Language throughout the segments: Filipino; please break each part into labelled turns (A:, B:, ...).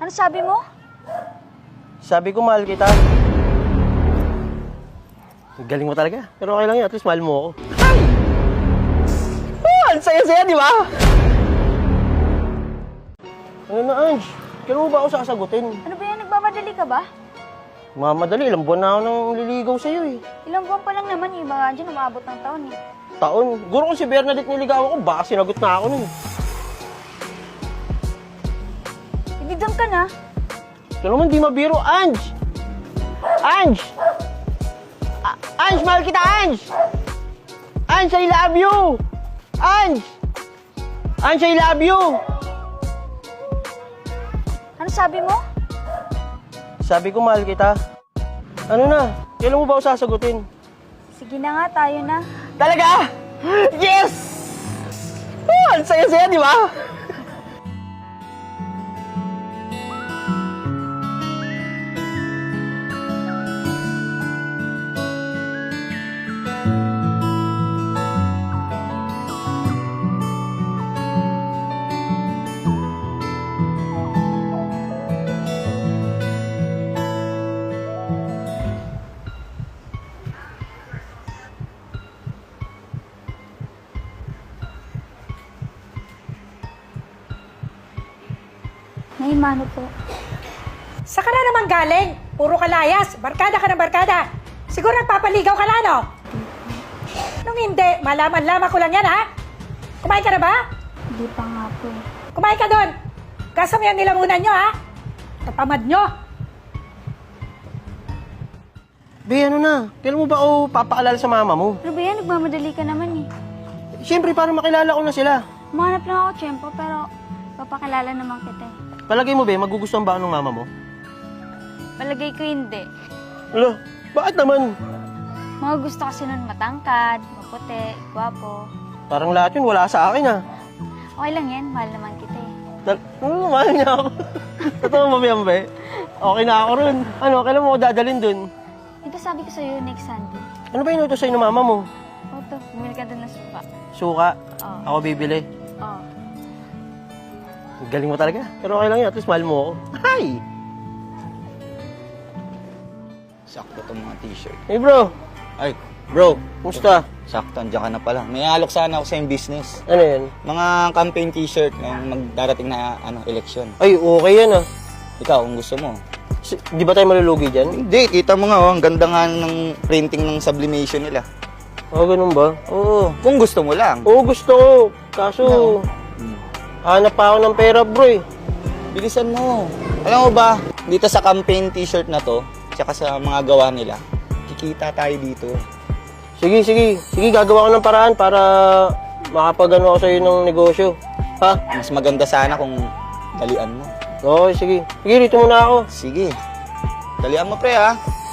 A: Ano sabi mo?
B: Sabi ko mahal kita. Galing mo talaga. Pero okay lang yun, at least mahal mo ako. Ay! Oh, ang saya-saya, di ba? Ano na, Ange? Kailan mo ba ako sasagutin?
A: Ano ba yan? Nagmamadali ka ba?
B: Mamadali, ilang buwan na ako nang liligaw sa'yo eh.
A: Ilang buwan pa lang naman eh. Baka dyan umabot ng taon eh.
B: Taon. Guro ko si Bernadette niligawan ko, baka sinagot na ako nun.
A: Ibigan ka na.
B: Ito naman, di mabiro, Ange! Ange! Ange, mahal kita, Ange! Ange, I love you! Ange! Ange, I love you!
A: Ano sabi mo?
B: Sabi ko, mahal kita. Ano na? Kailan mo ba ako sasagutin?
A: Sige na nga, tayo na.
B: Talaga? Yes! Oh, ang saya-saya, di ba?
A: May mano po.
C: Saan ka na naman galing? Puro kalayas. Barkada ka ng barkada. Siguro nagpapaligaw ka na, no? Nung hindi, malaman-laman ko lang yan, ha? Kumain ka na ba?
A: Hindi pa nga po.
C: Kumain ka doon. Gasa mo yung nilamunan nyo, ha? Kapamad nyo.
B: Be, ano na? Kailan mo ba ako papaalala sa mama mo?
A: Ano ba yan? Nagmamadali ka naman eh.
B: Siyempre, para makilala ko na sila.
A: Umanap lang ako, tiyempo, pero papakilala naman kita eh.
B: Palagay mo, be, magugustuhan ba ako ng mama mo?
A: Palagay ko hindi.
B: Alo, bakit naman?
A: Mga gusto kasi nun matangkad, maputi, gwapo.
B: Parang lahat yun wala sa akin, ah.
A: Okay lang yan, mahal naman kita eh.
B: Mahal niya ako. Totoo mo, be? Okay na ako ron. Ano, kailan mo ako dadalhin dun?
A: Di ba sabi ko sa'yo next Sunday?
B: Ano ba inutos sa'yo ng mama mo?
A: Oto, bumili ka doon ng suka.
B: Suka.
A: Oo.
B: Ako bibili.
A: Oo.
B: Galing mo talaga. Pero okay lang yun, at least mahal mo ako. Hi!
D: Sakto itong mga t-shirt.
B: Hey, bro.
D: Ay, bro.
B: Kumusta?
D: Sakto, andiyan ka na pala. May alok sana ako sa yung business.
B: Ano yan?
D: Mga campaign t-shirt ng magdarating na eleksyon.
B: Ay, okay yan, ah.
D: Ikaw, kung gusto mo.
B: Di ba tayo malulugi dyan?
D: Hindi, kita mo nga, oh, ang ganda nga ng printing ng sublimation nila.
B: Oo, ganun ba?
D: Oo, kung gusto mo lang.
B: Oo, gusto ko. Kaso, hanap pa ako ng pera, bro, eh.
D: Bilisan mo. Alam mo ba, dito sa campaign t-shirt na to, tsaka sa mga gawa nila, kikita tayo dito.
B: Sige, sige. Sige, gagawa ko ng paraan para makapagano ako sa'yo ng negosyo. Ha?
D: Mas maganda sana kung dalian mo.
B: Okay, sige. Sige, dito muna ako.
D: Sige. Dalian mo, pre, ha?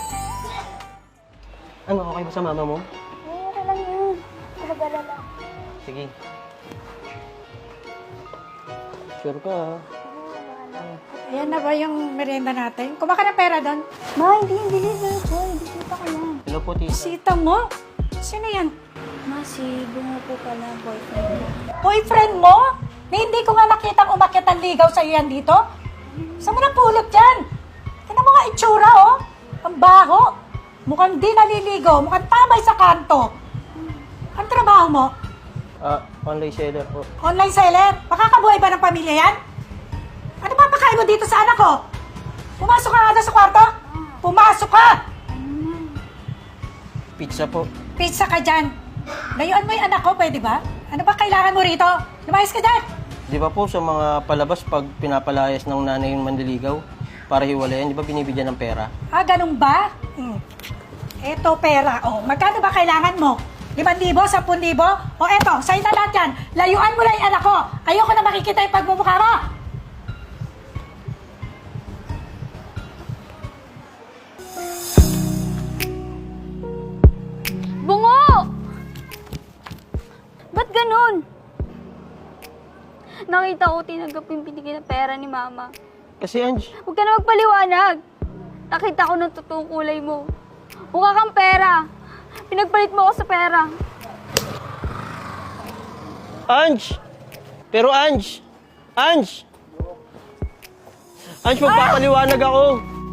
B: Ano, okay ba sa mama mo?
A: Okay lang yun. Mag-alala.
B: Sige. Sure ka, ha?
C: Ayan na ba yung merienda natin? Kuha ka ng pera doon.
A: Ma, hindi. Boy, bisita ko lang.
B: Hello po, tita.
C: Sita mo? Sino yan?
A: Ma, si Bungo po pala, boyfriend ko.
C: Boyfriend mo? Na hindi ko nga nakitang umakyat ang ligaw sa yan dito? Saan mo napulot yan? Tignan mo nga itsura, oh. Ang baho. Mukhang di naliligo. Mukhang tamay sa kanto. Ang trabaho mo?
B: Online seller po.
C: Online seller? Makakabuhay ba ng pamilya yan? Ano ba pakain mo dito sa anak ko? Pumasok ka nga doon sa kwarto? Pumasok ka!
B: Pizza po.
C: Pizza ka dyan. Layuan mo yung anak ko, pwede ba? Ano ba kailangan mo rito? Lumayas ka dyan!
B: Di ba po sa mga palabas pag pinapalayas ng nanay yung manliligaw para hiwalayan, di ba binibigyan ng pera?
C: Ah, ganun ba? Eto pera. Oh, magkano ba kailangan mo? 5,000? 10,000? O eto, sa'yo na lahat yan. Layuan mo lang yung anak ko. Ayoko na makikita yung pagmumukha mo.
A: Bungo! Ba't ganun? Nakita ko tinanggap yung binigay na pera ni Mama.
B: Kasi Ange,
A: Huwag ka na magpaliwanag. Nakita ko ng totoong kulay mo. Mukha kang pera. Pinagpalit mo ako sa pera.
B: Ange! Pero Ange! Ange! Ange, magpapaliwanag ako.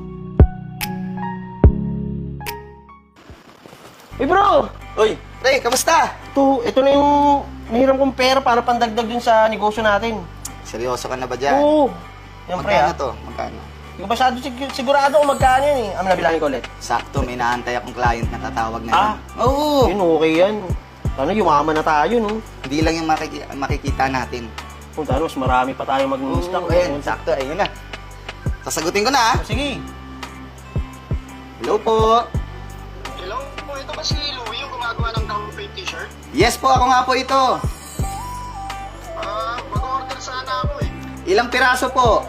B: Bro!
D: Uy, pre, kamusta?
B: Ito na yung nahiram kong pera para pandagdag dun sa negosyo natin.
D: Seryoso ka na ba dyan?
B: Oo. Yan, pre,
D: Magkano
B: ah.
D: to? Magkano?
B: Hindi ko masyado sigurado kung magkano yan eh. Nabilangin ko ulit.
D: Sakto, may naantay akong client na tatawag na
B: Ah.
D: yan. Oo.
B: Yun, okay yan. Sana yumaman na tayo, no?
D: Hindi lang yung makikita natin.
B: Kung tayo, mas marami pa tayo mag-stock.
D: Oo, ayun, sakto, ayun na. Sasagutin ko na, ah.
B: Sige.
D: Hello po.
E: Hello po, ito ba si Louie yung gumagawa ng campaign t-shirt?
D: Yes po, ako nga po ito.
E: Mag-order sana ako eh.
D: Ilang piraso po?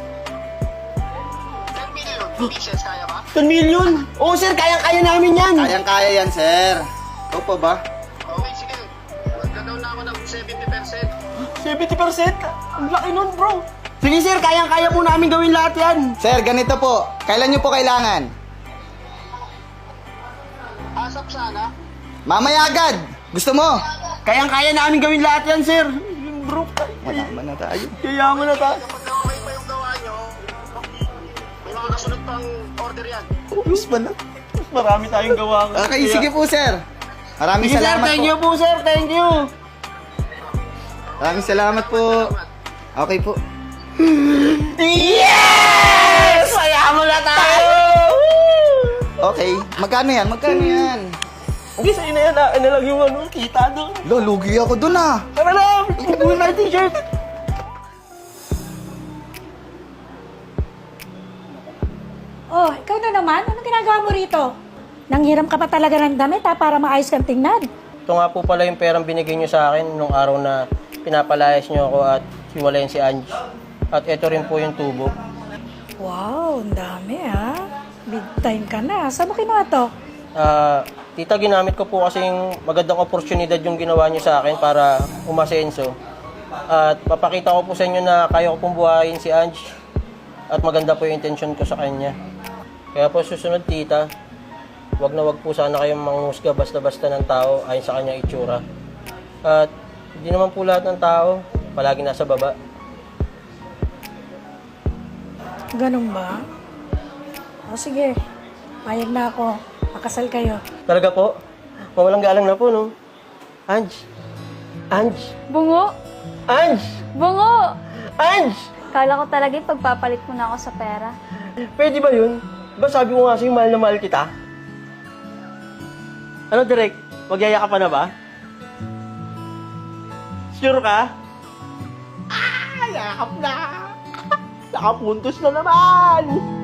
E: 10 million pieces, kaya ba?
B: 10 million? Oo, sir, kayang-kaya namin yan.
D: Kayang-kaya yan, sir. Ikaw po ba?
E: Okay, sige. Magka-down na ako ng 70%.
B: 70%? Ang laki nun, bro. Sige, sir, kayang-kaya po namin gawin lahat yan.
D: Sir, ganito po. Kailan nyo po kailangan?
E: Asap sana.
D: Mamaya agad. Gusto mo?
B: Kayang-kaya namin gawin lahat yan, sir. Bro,
D: Malaman na tayo.
B: yayaman na tayo.
E: Kapag okay pa yung gawa nyo, may mga kasunod pang order yan.
D: Ubus ba na?
B: Marami tayong gawa.
D: Okay, sige po, sir. Maraming
B: Sige, sir,
D: salamat
B: thank
D: po.
B: you po, sir. Thank you.
D: Maraming salamat po. Okay po.
B: Yes! Mayaman na tayo!
D: Okay. Magkano yan? Magkano yan?
B: Hindi, sa'yo na yan. Ano lang yung ano, kita doon.
D: Lo, lugi ako dun ah.
B: Tara na! Buhin na yung t-shirt.
C: Oh, ikaw na naman? Anong ginagawa mo rito? Nanghiram ka pa talaga ng damit ha, para maayos kang tingnan.
B: Ito nga po pala yung perang binigay nyo sa akin nung araw na pinapalayas nyo ako at hiwalayan si Ange. At ito rin po yung tubo.
C: Wow, ang dami ha. Big time ka na. Saan mo kinuha to?
B: Tita, ginamit ko po kasi yung magandang oportunidad yung ginawa nyo sa akin para umasenso. At papakita ko po sa inyo na kaya ko pong buhayin si Ange. At maganda po yung intention ko sa kanya. Kaya po susunod, tita, wag na wag po sana kayong manghusga basta-basta ng tao ayon sa kanyang itsura. At hindi naman po lahat ng tao palagi nasa baba.
C: Ganun ba? O sige, payag na ako. Makasal kayo.
B: Talaga po? Mawalang galang na po, no? Ange! Ange!
A: Bungo!
B: Ange!
A: Bungo!
B: Ange!
A: Kala ko talaga pagpapalit mo na ako sa pera.
B: Pwede ba yun? Diba sabi ko nga sa'yo, mahal na mahal kita? Ano, Direk? Magyaya ka pa na ba? Sure ka? Yakap na! Nakapuntos na naman!